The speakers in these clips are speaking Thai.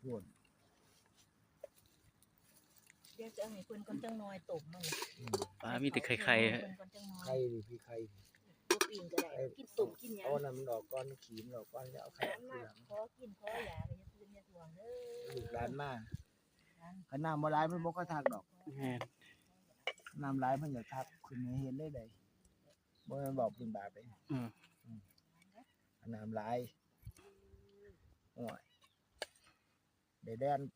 พูดเดี๋ยวจะให้เพิ่นก่อนจังน้อยตบมันปลามีแต่ไข่ไข่ดิพี่ไข่ตัวปีนก็ได้กินตุ่มกินหยังเอาน้ำดอกก้อนขีมดอกก้อนจะเอาไข่มาขอกินขอหยาก็จะคืนอย่าทวงเด้อลูกหลานมาขนาดบ่ร้ายมันบ่ค่อยทักดอกน้ำร้ายมันอยากทักคุณเห็นได้ใดบ่แม่นบอกคุณบาไปน้ำร้ายโอ้ยได้แดน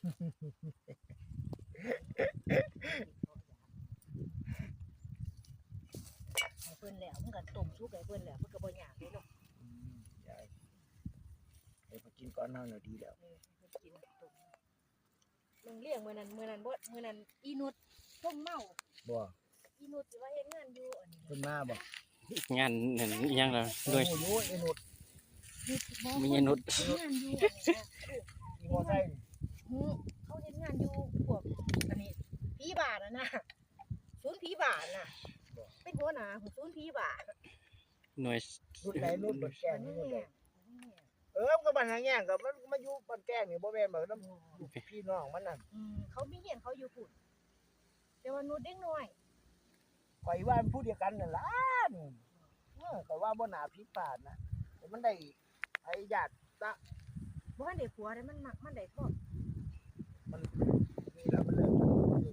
ให้เพิ่นแล้วมันก็ต้มสุกให้เพิ่นแล้วเพิ่นก็บ่ยากเลยเนาะยายให้พอกินก้อนเฮาน่ะดีแล้วเพิ่นกินต้มมึงเลี้ยงมื้อนั้นบ่มื้อนั้นอีนุชต้มเมาบ่อีนุชสิว่าเฮ็ดงานอยู่อันนี้เพิ่นมาบ่งานนั่นอีหยังล่ะโดยโอ้ยไอ้นุชมีไอ้นุชงานอยู่อันนี้มีมอไซค์เขาเฮ็ดงานอยู่พวกอันนี้ผีบาทนะศูนย์ผีบาทน่ะเป็นหัวหน้าของศูนย์ผีบาทหน่วยนุชไหนนุชบ่แก่นี่นุชไหนมันก็บ้านหาแย่งก็มันมาอยู่บ้านแก้งนี่บ่แม่นบ่นำพี่น้องมันน่ะเขามีเฮียนเขาอยู่พุ่นแต่ว่านุชเด็กน้อยข่อยว่ามันผู้เดียวกันนั่นล่ะข่อยว่าบ่น่าผิดพลาดนะมันได้ไอ้ญาติละบ่ทันได้ผัวได้มันมักมันได้ครอบมันนี่ล่ะมันเลิก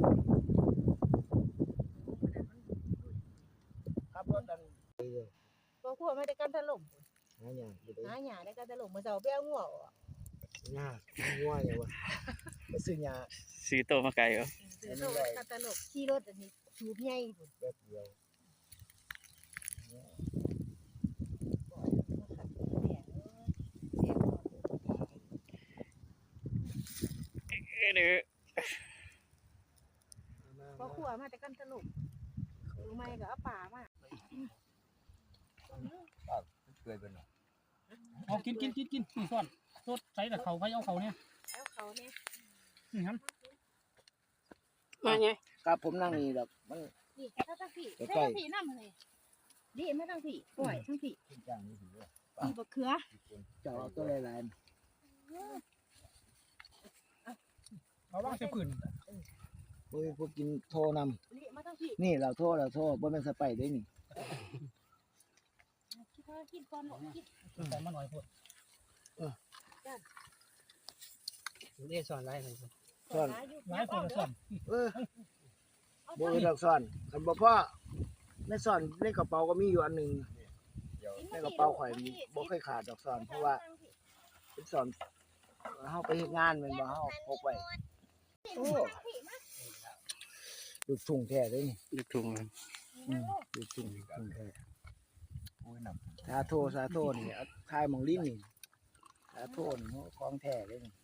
ครับรถอันบ่ผัวมาได้กันถล่มหาหยังหาหญ้าได้กันถล่มมื้อเช้าไปเอางัวหญ้างัวหยังวะไปซื้อหญ้าซื้อโตมาไกลเหรอซื้อโตกันถล่มขี่รถอันนี้สูบใหญ่พุ่นแป๊บเดียวเด้อพอขัวมาแต่กันถล่มรู้ไหมก็เอาป่ามาเคยเป็นหรอเอากินนี่ซ่อนสดใส่แต่เขาไปเอาเขาเนี่ยเอาเขาเนี่ยนี่ครับมาไงครับผมนั่งนี่ดอกมันนี่ถ้าทั้งพี่ถ้าทั้งพี่น้ำเลยดีไม่ทั้งพี่ปล่อยทั้งพี่จ้างนี่ถือว่ามีบะเขือเจาะตัวหลายเขาว่างจะปืนพวกกินโทนำนี่เราโทบ่แม่นสไปได้นี่กินก่อนหรอกินแต่มาหน่อยพอดเรียกสอนไรเลยสอนไรพอสอนบ่มีดอกสอนคันบ่พ่อในสอนในกระเป๋าก็มีอยู่อันนึงในกระเป๋าข่อยบ่เคยขาดดอกสอนเพราะว่าเป็นสอนเฮาไปเฮ็ดงานแม่นบ่เฮาพกไว้โอ้ลูกทุ่งแท้เลยนี่ลูกทุ่งลูกทุ่งแท้โอ้ยนำสาโทนี่ทายหม่องลิ้นนี่สาโทนี่ของแท้เลยนี่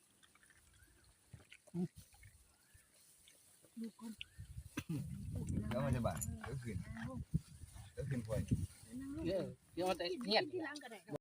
แล้วมันจะบาดก็ขึ้นพวยเดี๋ยวแต่เงียบ